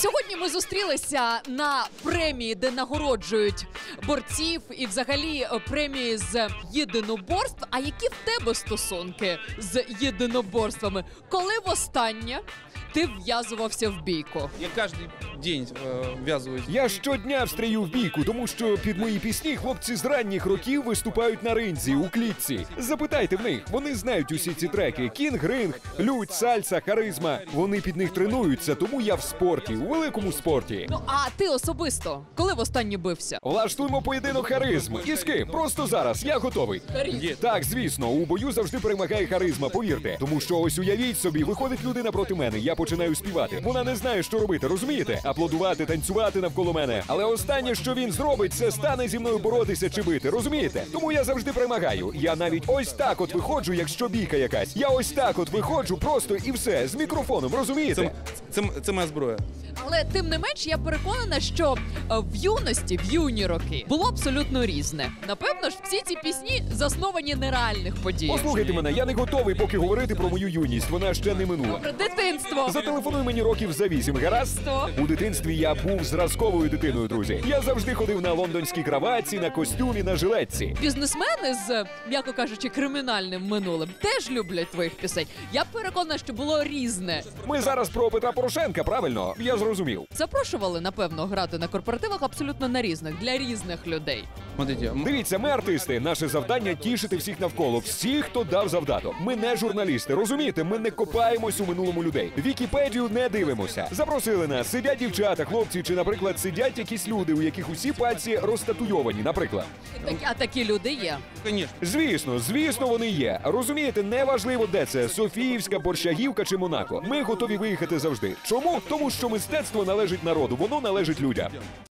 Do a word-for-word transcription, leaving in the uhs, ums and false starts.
Сьогодні ми зустрілися на премії, де нагороджують борців і взагалі премії з єдиноборств. А які в тебе стосунки з єдиноборствами? Коли востаннє ти вв'язувався в бійку? Я кожен день е, вв'язуюсь. Я щодня встрію в бійку, тому що під мої пісні хлопці з ранніх років виступають на ринзі, у клітці. Запитайте в них, вони знають усі ці треки. Кінг, ринг, лють, сальса, харизма. Вони під них тренуються, тому я в спорті, у великому спорті. Ну, а ти особисто, коли востаннє бився? Влаштуємо поєдинок харизм. І з ким? Просто зараз, я готовий. Є. Так, звісно, у бою завжди перемагає харизма, повірте. Тому що ось уявіть собі, виходить людина проти мене, я починаю співати. Вона не знає, що робити, розумієте? Аплодувати, танцювати навколо мене. Але останнє, що він зробить, це стане зі мною боротися чи бити, розумієте? Тому я завжди перемагаю. Я навіть ось так от виходжу, якщо бійка якась. Я ось так от виходжу просто і все, з мікрофоном, розумієте? Це, це, це моя зброя. Але тим не менш, я переконана, що е, в юності, в юні роки було абсолютно різне. Напевно ж, всі ці пісні засновані на реальних подіях. Послухайте мене, я не готовий поки говорити про мою юність, вона ще не минула. Про дитинство. Зателефонуй мені років за вісім, гаразд? Сто. У дитинстві я був зразковою дитиною, друзі. Я завжди ходив на лондонській краватці, на костюмі, на жилетці. Бізнесмени з, м'яко кажучи, кримінальним минулим теж люблять твоїх пісень. Я переконана, що було різне. Ми зараз про Петра Порошенка, правильно? Я зрозумів. Запрошували, напевно, грати на корпоративах абсолютно на різних, для різних людей. Смотрите, м- Дивіться, ми артисти. Наше завдання тішити всіх навколо. Всіх, хто дав завдаток. Ми не журналісти, розумієте? Ми не копаємось у минулому людей. Вікіпедію не дивимося. Запросили нас. Сидять дівчата, хлопці, чи, наприклад, сидять якісь люди, у яких усі пальці розтатуйовані, наприклад. Так, а такі люди є. конечно. Звісно, звісно, вони є. Розумієте, неважливо, де це – Софіївська, Борщагівка чи Монако. Ми готові виїхати завжди. Чому? Тому що мистецтво належить народу, воно належить людям.